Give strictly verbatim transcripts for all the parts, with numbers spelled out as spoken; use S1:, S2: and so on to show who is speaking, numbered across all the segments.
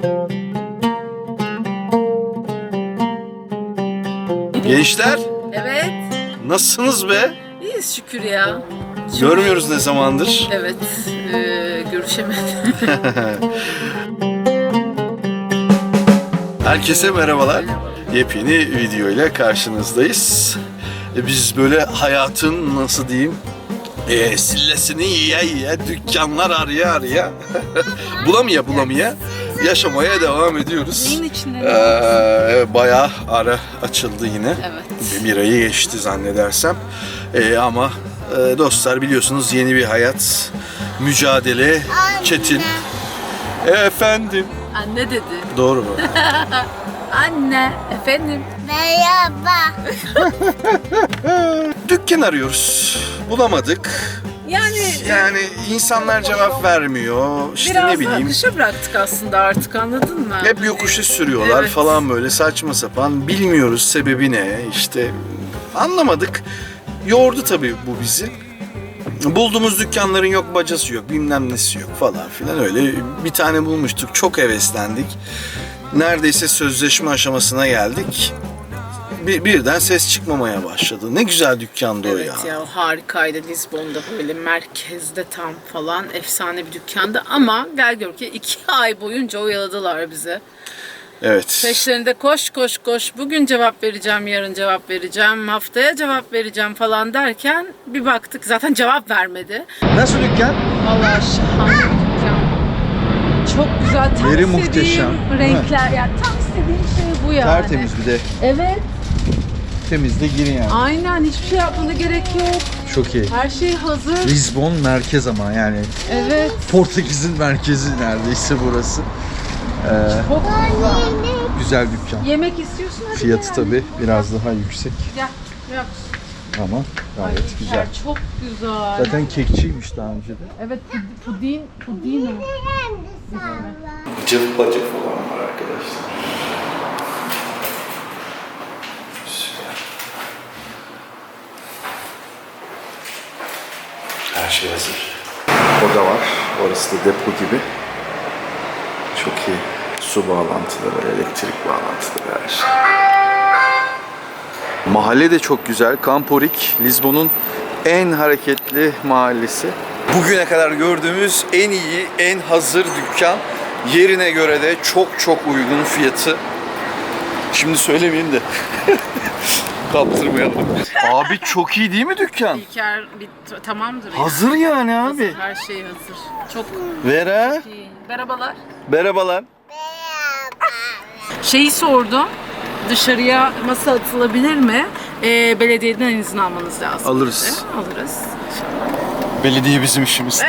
S1: Gençler,
S2: Evet.
S1: nasılsınız be?
S2: İyiyiz şükür ya.
S1: Görmüyoruz ne zamandır.
S2: Evet. E, görüşemedik.
S1: Herkese merhabalar. Yepyeni video ile karşınızdayız. E, Biz böyle hayatın nasıl diyeyim e, sillesini yiye yiye, dükkanlar araya araya, bulamaya bulamaya yaşamaya devam ediyoruz.
S2: Neyin içinde?
S1: Ee, bayağı ara açıldı yine.
S2: Evet.
S1: Bir ayı geçti zannedersem. Ee, ama e, dostlar biliyorsunuz yeni bir hayat, mücadele, çetin. Efendim.
S2: Anne dedi.
S1: Doğru mu?
S2: Anne. Efendim.
S3: Merhaba.
S1: Dükkan arıyoruz. Bulamadık.
S2: Yani
S1: Yani insanlar cevap vermiyor. İşte
S2: biraz
S1: ne bileyim.
S2: akışa bıraktık aslında artık, anladın mı?
S1: Hep yokuşa sürüyorlar
S2: Evet.
S1: falan böyle saçma sapan. Bilmiyoruz sebebi ne işte anlamadık. Yordu tabii bu bizi. Bulduğumuz dükkanların yok bacası yok bilmem nesi yok falan filan öyle. Bir tane bulmuştuk çok heveslendik. Neredeyse sözleşme aşamasına geldik. Bir, birden ses çıkmamaya başladı. Ne güzel dükkandı o ya.
S2: Evet ya, harikaydı Lizbon'da, böyle merkezde tam falan, efsane bir dükkandı ama gel gör ki iki ay boyunca oyaladılar bizi.
S1: Evet.
S2: Peşlerinde koş koş koş, bugün cevap vereceğim, yarın cevap vereceğim, haftaya cevap vereceğim falan derken bir baktık zaten cevap vermedi.
S4: Nasıl dükkan?
S2: Vallahi şahane bir dükkan. Çok güzel, tam
S4: Yeri
S2: istediğim
S4: muhteşem.
S2: renkler, yani tam istediğim şey bu yani.
S4: Tertemiz bir de.
S2: Evet,
S4: Temizde girin yani.
S2: aynen, hiçbir şey yapmana gerek yok.
S4: Çok iyi.
S2: Her şey hazır.
S4: Lizbon merkez ama yani
S2: Evet.
S4: Portekiz'in merkezi neredeyse burası. Ee,
S2: Çok güzel.
S4: güzel dükkan.
S2: Yemek istiyorsun, hadi
S4: Fiyatı
S2: gel.
S4: tabi biraz daha yüksek
S2: Gel. Gel.
S4: ama gayet
S2: Ay,
S4: güzel.
S2: Çok güzel.
S4: Zaten kekçiymiş daha önce de.
S2: Evet, pud- pudin, pudino.
S1: Cıvık bacık falan var arkadaşlar. Süper. Her şey hazır. Oda var. Orası da depo gibi. Çok iyi. Su bağlantıları, elektrik bağlantıları, her şey. Mahalle de çok güzel. Camporik, Lizbon'un en hareketli mahallesi. Bugüne kadar gördüğümüz en iyi, en hazır dükkan. Yerine göre de çok çok uygun fiyatı. Şimdi söylemeyeyim de kaptırmayalım. Abi çok iyi değil mi dükkan?
S2: İlker bir t- tamamdır ya.
S1: Hazır yani abi.
S2: Her şey hazır. Çok
S1: Vera,
S2: iyi. Merhabalar.
S1: merhabalar.
S2: Şeyi sordum. Dışarıya masa atılabilir mi? Ee, belediyeden izin almanız lazım.
S1: Alırız.
S2: dedi. Alırız.
S1: Belediye bizim işimiz.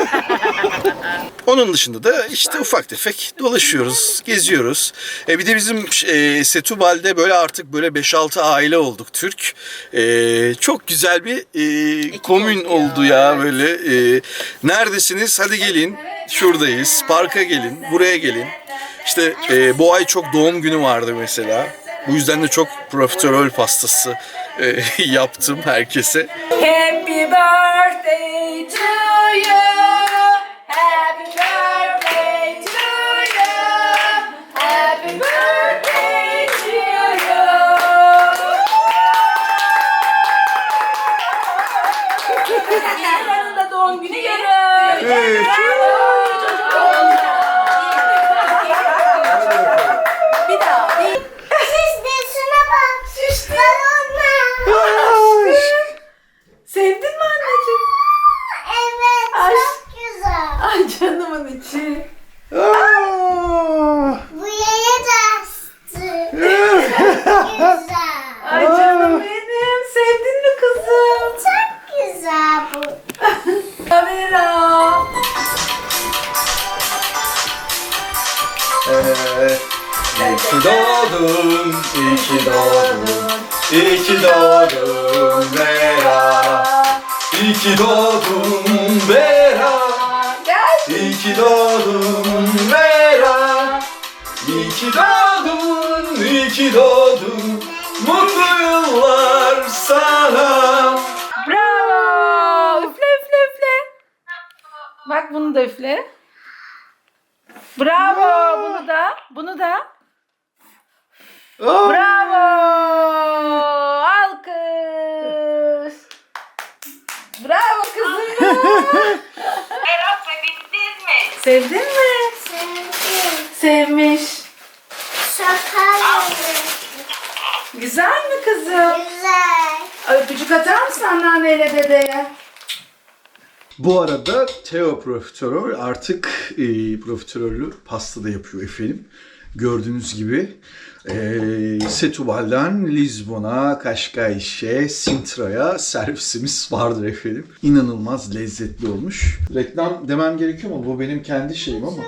S1: Onun dışında da işte ufak tefek dolaşıyoruz, geziyoruz. E bir de bizim e, Setúbal'de böyle artık böyle beş altı aile olduk Türk. E, çok güzel bir e, komün
S2: oldu ya,
S1: oldu ya
S2: evet.
S1: böyle. E, neredesiniz? Hadi gelin. Şuradayız. Parka gelin. Buraya gelin. İşte e, bu ay çok doğum günü vardı mesela. Bu yüzden de çok profiterol pastası e, yaptım herkese.
S2: Happy birthday to you. Happy birthday to you. Happy birthday to you. Yarın da doğum günü yarın. Bir daha.
S3: Siz de şuna bak. Balonlar.
S2: Sevdin mi anneciğim?
S3: Evet,
S2: Ay.
S3: çok güzel.
S2: Ay canımın içi.
S3: Bu yaya da astı. Güzel.
S2: Ay canım benim. Sevdin mi kızım?
S3: Çok güzel bu.
S2: Kamera.
S1: Evet. İyi ki doğdun, iyi ki doğdun, iyi ki doğdun Vera. İyi ki doğdun Vera,
S2: Gel.
S1: iyi ki doğdun Vera. İyi ki doğdun, iyi ki doğdun, mutlu yıllar sana.
S2: Bravo. Üfle üfle üfle. Bak bunu da üfle. Bravo. Bunu da. bunu da. Bravo! Alkış! Bravo kızım.
S5: Berat sevindiniz mi?
S2: Sevdin mi?
S3: Sevdim.
S2: Sevmiş.
S3: Şaka
S2: Güzel mi kızım?
S3: güzel.
S2: Öpücük atar mısın anneanneyle dedeye?
S1: Bu arada Teo profiterol artık e, profiterolü pasta da yapıyor efendim. Gördüğünüz gibi e, Setubal'dan Lizbon'a, Kaşkayşe, Sintra'ya servisimiz vardır efendim. İnanılmaz lezzetli olmuş. Reklam demem gerekiyor mu? Bu benim kendi şeyim ama.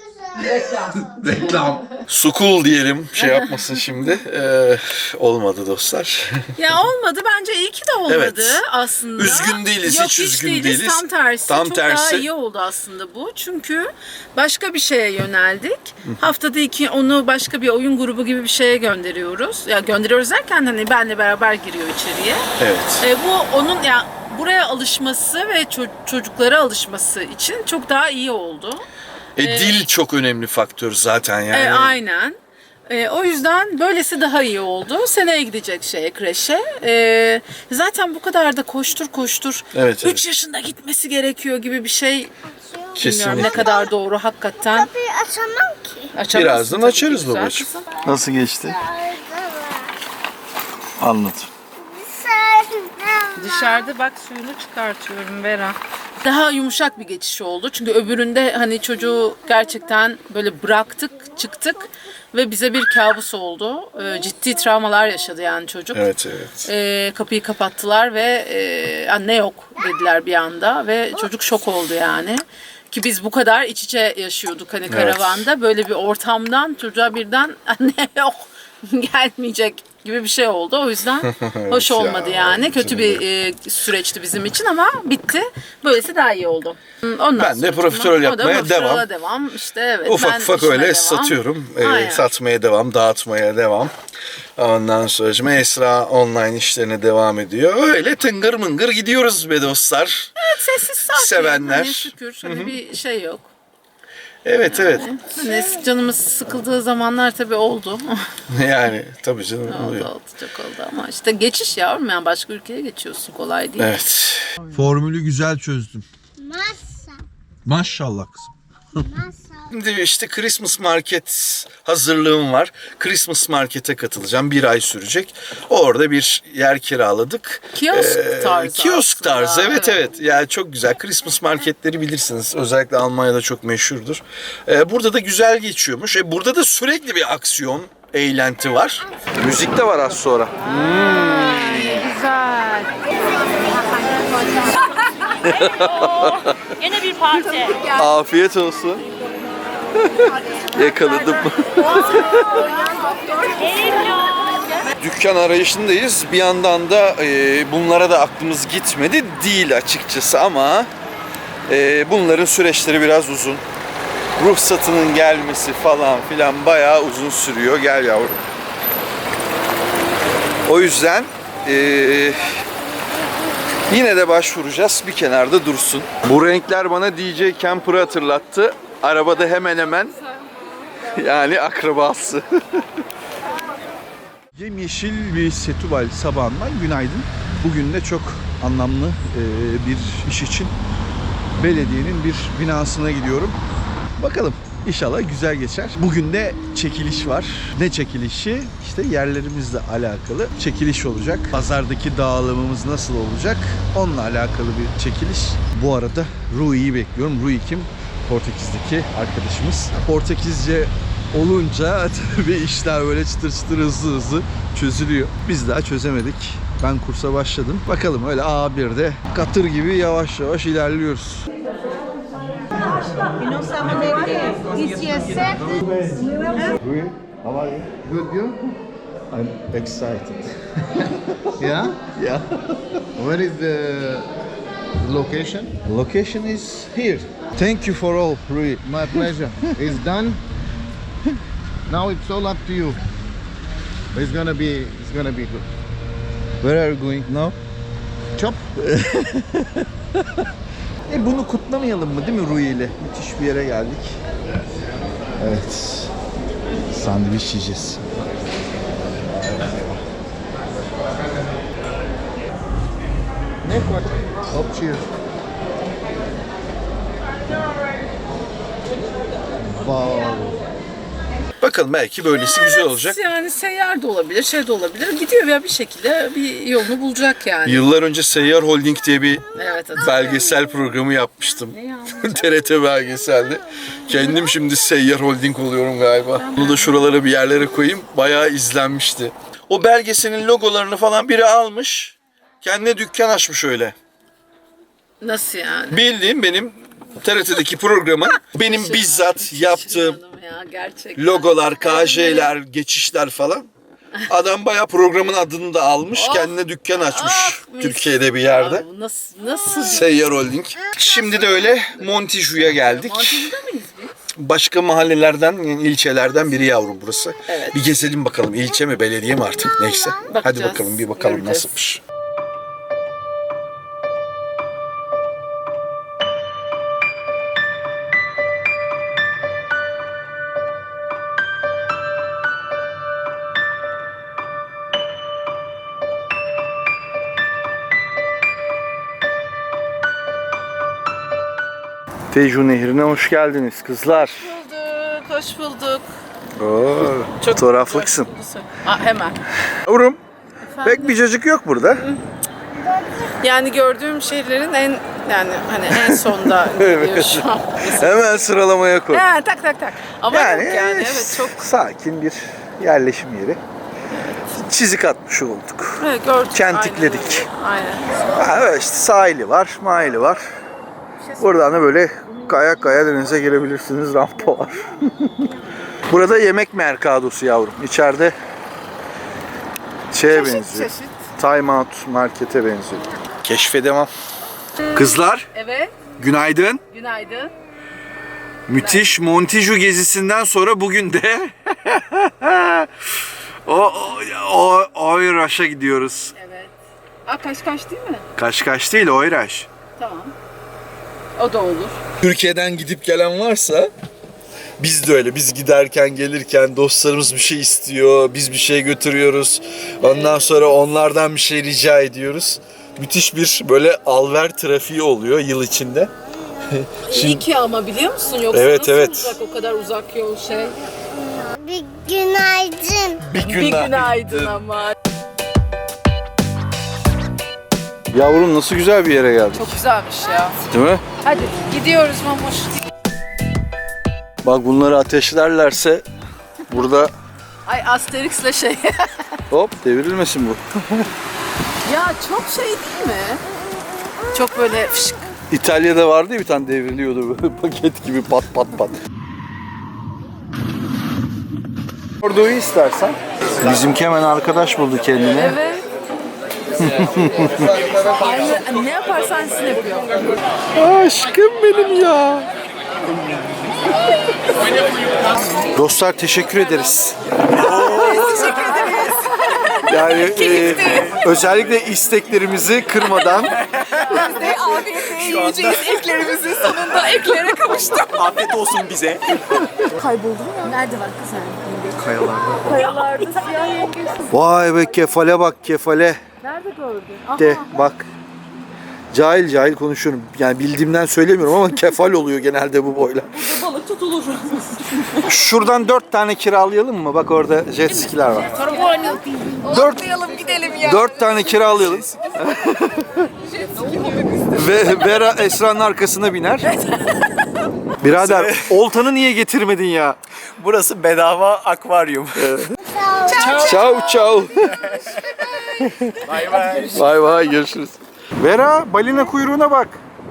S2: Reklam.
S1: Reklam. Sukul diyelim, şey yapmasın şimdi. Ee, olmadı dostlar.
S2: Ya olmadı, bence iyi ki de olmadı
S1: Evet.
S2: aslında.
S1: Üzgün değiliz,
S2: Yok,
S1: hiç üzgün
S2: değiliz.
S1: değiliz.
S2: Tam tersi.
S1: Tam
S2: Çok
S1: tersi.
S2: daha iyi oldu aslında bu. Çünkü başka bir şeye yöneldik. Haftada iki onu başka bir oyun grubu gibi bir şeye gönderiyoruz. Ya gönderiyoruz derken hani benle beraber giriyor içeriye.
S1: Evet.
S2: E, bu onun ya buraya alışması ve ço- çocuklara alışması için çok daha iyi oldu.
S1: E, dil çok önemli faktör zaten yani.
S2: E, aynen. E, o yüzden böylesi daha iyi oldu. Seneye gidecek şeye, kreşe. E, zaten bu kadar da koştur koştur.
S1: Evet, evet.
S2: üç yaşında gitmesi gerekiyor gibi bir şey. Bilmiyorum
S1: Kesinlikle.
S2: ne kadar doğru hakikaten.
S3: Kapıyı açamam ki.
S2: Açamazsın
S1: Birazdan
S2: tabii
S1: açarız
S2: ki güzel
S1: babacığım.
S2: kızım.
S1: Nasıl geçti?
S3: Orada var.
S1: Anlat.
S3: Dışarıda var.
S2: Dışarıda bak suyunu çıkartıyorum Vera. Daha yumuşak bir geçiş oldu. Çünkü öbüründe hani çocuğu gerçekten böyle bıraktık, çıktık ve bize bir kabus oldu. Ee, ciddi travmalar yaşadı yani çocuk.
S1: Evet evet.
S2: Ee, kapıyı kapattılar ve e, anne yok dediler bir anda ve çocuk şok oldu yani. Ki biz bu kadar iç içe yaşıyorduk hani karavanda. Böyle bir ortamdan çocuğa birden anne yok gelmeyecek gibi bir şey oldu. O yüzden hoş
S1: ya,
S2: olmadı yani. Kötü
S1: canım
S2: bir e, süreçti bizim için ama bitti. Böylesi daha iyi oldu. Ondan
S1: Ben de
S2: sonra
S1: profiterol
S2: o da
S1: yapmaya
S2: profiterola
S1: devam.
S2: devam. İşte evet.
S1: Ufak
S2: ben
S1: ufak
S2: işime
S1: öyle
S2: devam.
S1: satıyorum. Ee,
S2: Aynen.
S1: satmaya devam, dağıtmaya devam. Ondan sonra Esra online işlerine devam ediyor. Öyle tıngır mıngır gidiyoruz be dostlar.
S2: Evet, sessiz sakin.
S1: Sevenler.
S2: Hani şükür. Hani bir şey yok.
S1: Evet evet.
S2: Hani canımız sıkıldığı zamanlar tabii oldu.
S1: Yani tabii canım.
S2: oldu
S1: oluyor.
S2: oldu çok oldu ama işte geçiş yavrum yani başka ülkeye geçiyorsun kolay değil.
S1: Evet.
S4: Formülü güzel çözdüm.
S3: Masa.
S4: Maşallah kızım.
S3: Masa.
S1: Şimdi işte Christmas Market hazırlığım var. Christmas Market'e katılacağım. Bir ay sürecek. Orada bir yer kiraladık.
S2: Kiosk
S1: Ee,
S2: tarzı
S1: Kiosk
S2: aslında,
S1: tarzı. Evet,
S2: evet.
S1: evet Yani çok güzel. Christmas marketleri bilirsiniz. Özellikle Almanya'da çok meşhurdur. Ee, burada da güzel geçiyormuş. E, burada da sürekli bir aksiyon, eğlenti var. Müzik de var az sonra.
S2: Güzel.
S5: Yine bir parti.
S1: Afiyet olsun. Yakaladım. Dükkan arayışındayız. Bir yandan da e, bunlara da aklımız gitmedi değil açıkçası ama e, bunların süreçleri biraz uzun. Ruhsatının gelmesi falan filan bayağı uzun sürüyor. Gel yavrum. O yüzden e, yine de başvuracağız. Bir kenarda dursun. Bu renkler bana D J Camper'ı hatırlattı. Arabada hemen hemen yani akrabası.
S4: Yemyeşil bir Setubal sabahından günaydın. Bugün de çok anlamlı e, bir iş için belediyenin bir binasına gidiyorum. Bakalım inşallah güzel geçer. Bugün de çekiliş var. Ne çekilişi? İşte yerlerimizle alakalı çekiliş olacak. Pazardaki dağılımımız nasıl olacak? Onunla alakalı bir çekiliş. Bu arada Rui'yi bekliyorum. Rui kim? Portekiz'deki arkadaşımız. Portekizce olunca tabii işler böyle çıtır çıtır hızlı hızlı çözülüyor. Biz daha çözemedik. Ben kursa başladım. Bakalım öyle A bir'de katır gibi yavaş yavaş ilerliyoruz. Rui, how are you?
S6: Good, you?
S4: I'm excited.
S6: Yeah?
S4: Yeah.
S6: Where is the location?
S4: Location is here. Thank you for all, Rui.
S6: My pleasure. It's done. Now it's all up to you. It's gonna be, it's gonna be good.
S4: Where are you going now?
S6: Chop.
S4: E bunu kutlamayalım mı değil mi Rui ile? Müthiş bir yere geldik. Evet. Sandviç yiyeceğiz.
S6: Hop, cheers. Wow.
S1: Bakalım belki böylesi güzel olacak.
S2: Yani seyyar da olabilir, şey de olabilir. Gidiyor ya bir şekilde bir yolunu bulacak yani.
S1: Yıllar önce Seyyar Holding diye bir
S2: Evet, hatırlıyorum.
S1: belgesel programı yapmıştım.
S2: Ne ya?
S1: T R T belgeselde. Kendim şimdi Seyyar Holding oluyorum galiba. Bunu da şuralara bir yerlere koyayım. Bayağı izlenmişti. O belgeselin logolarını falan biri almış. Kendine dükkan açmış öyle.
S2: Nasıl yani?
S1: Bildiğim benim T R T'deki programın benim bizzat yaptığım
S2: Şaşırmadım ya, gerçekten.
S1: logolar, K J'ler, geçişler falan. Adam bayağı programın adını da almış.
S2: Oh.
S1: Kendine dükkan açmış
S2: Ah, mis.
S1: Türkiye'de bir yerde.
S2: Ya bu nasıl, nasıl?
S1: Seyyar Holding. Şimdi de öyle Montiju'ya geldik.
S2: Montiju'da mıyız biz?
S1: Başka mahallelerden, yani ilçelerden biri yavrum burası.
S2: Evet.
S1: Bir gezelim bakalım. İlçe mi, belediye mi artık neyse. Hadi
S2: Bakacağız,
S1: bakalım bir bakalım
S2: göreceğiz.
S1: nasılmış.
S4: Tejo Nehri'ne hoş geldiniz kızlar.
S2: Bulduk, hoş bulduk.
S4: Oo, fotoğraflıksın.
S2: Aa, hemen.
S4: Yavrum, pek bir cacık yok burada.
S2: Yani gördüğüm şeylerin en yani hani en sonda geliyor şu an.
S4: Hemen sıralamaya koy.
S2: Ha, tak tak tak. Ama
S4: Yani,
S2: yok yani evet çok
S4: sakin bir yerleşim yeri. Çizik atmış olduk.
S2: evet, gördük.
S4: Kentikledik.
S2: Aynen. Aynen.
S4: Ha, evet işte sahili var, mahili var. Buradan da böyle kaya kaya denize girebilirsiniz. Rampa var. Burada yemek merkadosu yavrum. İçeride şeye
S2: Çeşit
S4: benziyor.
S2: çeşit.
S4: Time Out markete benziyor. Keşfe devam. Kızlar,
S2: Evet.
S4: günaydın.
S2: Günaydın.
S4: Müthiş Montijo gezisinden sonra bugün de o o o Oyraş'a gidiyoruz.
S2: Evet. Aa, kaç kaç değil mi?
S4: Kaşkaş değil, Oyraş.
S2: Tamam. O da olur.
S1: Türkiye'den gidip gelen varsa biz de öyle. Biz giderken gelirken dostlarımız bir şey istiyor. Biz bir şey götürüyoruz. Ondan sonra onlardan bir şey rica ediyoruz. Müthiş bir böyle alver trafiği oluyor yıl içinde.
S2: İyi ki ama biliyor musun? Yoksa
S1: Evet,
S2: nasıl
S1: evet.
S2: olacak o kadar uzak yol şey?
S3: Bir günaydın.
S1: Bir
S2: Bir günaydın ama.
S4: Yavrum nasıl güzel bir yere geldik.
S2: Çok güzelmiş ya.
S4: Değil mi?
S2: Hadi gidiyoruz Mamuş.
S4: Bak bunları ateşlerlerse burada
S2: Ay Asterix'le şey.
S4: hop devrilmesin bu.
S2: Ya çok şey değil mi? Çok böyle fışk.
S4: İtalya'da vardı ya bir tane devriliyordu böyle paket gibi pat pat pat. Orduyu istersen. Bizimki hemen arkadaş buldu kendine.
S2: Evet. Aynı, ne yaparsan sizin yapıyor.
S4: Aşkım benim ya. Dostlar teşekkür ederiz.
S2: Teşekkür ederiz.
S4: Yani e, özellikle isteklerimizi kırmadan
S2: Ve afiyetle yiyeceğiz eklerimizi sonunda eklere kavuştuk.
S7: Afiyet olsun bize.
S2: Kayboldum ya. Nerede var kız sen?
S4: kayalarda.
S2: Kayalarda siyah yengesi.
S4: Vay be kefale bak kefale
S2: Nerede gördün?
S4: de bak. Cahil cahil konuşuyorum. Yani bildiğimden söylemiyorum ama kefal oluyor genelde bu boylar.
S2: Burada balık tutulur.
S4: Şuradan dört tane kiralayalım mı? Bak orada jet skiler var.
S2: Sonra bu hani
S4: Dört,
S2: atlayalım gidelim ya.
S4: dört tane kiralayalım. Ve Vera Esra'nın arkasına biner. Birader oltanı niye getirmedin ya?
S7: Burası bedava akvaryum.
S4: Ciao ciao.
S7: Bay bay.
S4: Bay bay görüşürüz. Vera balina kuyruğuna bak.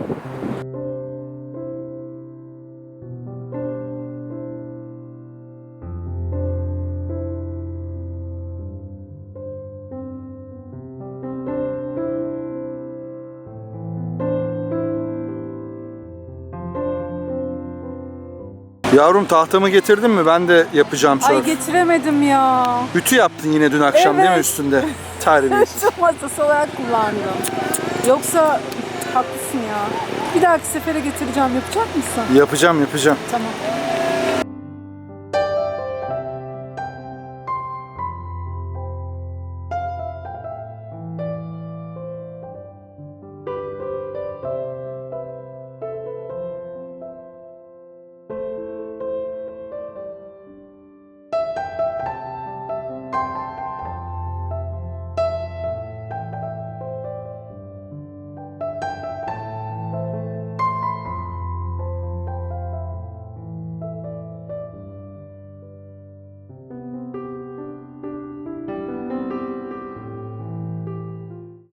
S4: Yavrum tahtamı getirdin mi? Ben de yapacağım
S8: Ay
S4: sörf.
S8: getiremedim ya.
S4: Ütü yaptın yine dün akşam değil mi
S8: Evet.
S4: üstünde? Terbiyesiz.
S8: Çok masası olarak kullandım. Yoksa haklısın ya. Bir dahaki sefere getireceğim. Yapacak mısın?
S4: Yapacağım yapacağım.
S8: Tamam.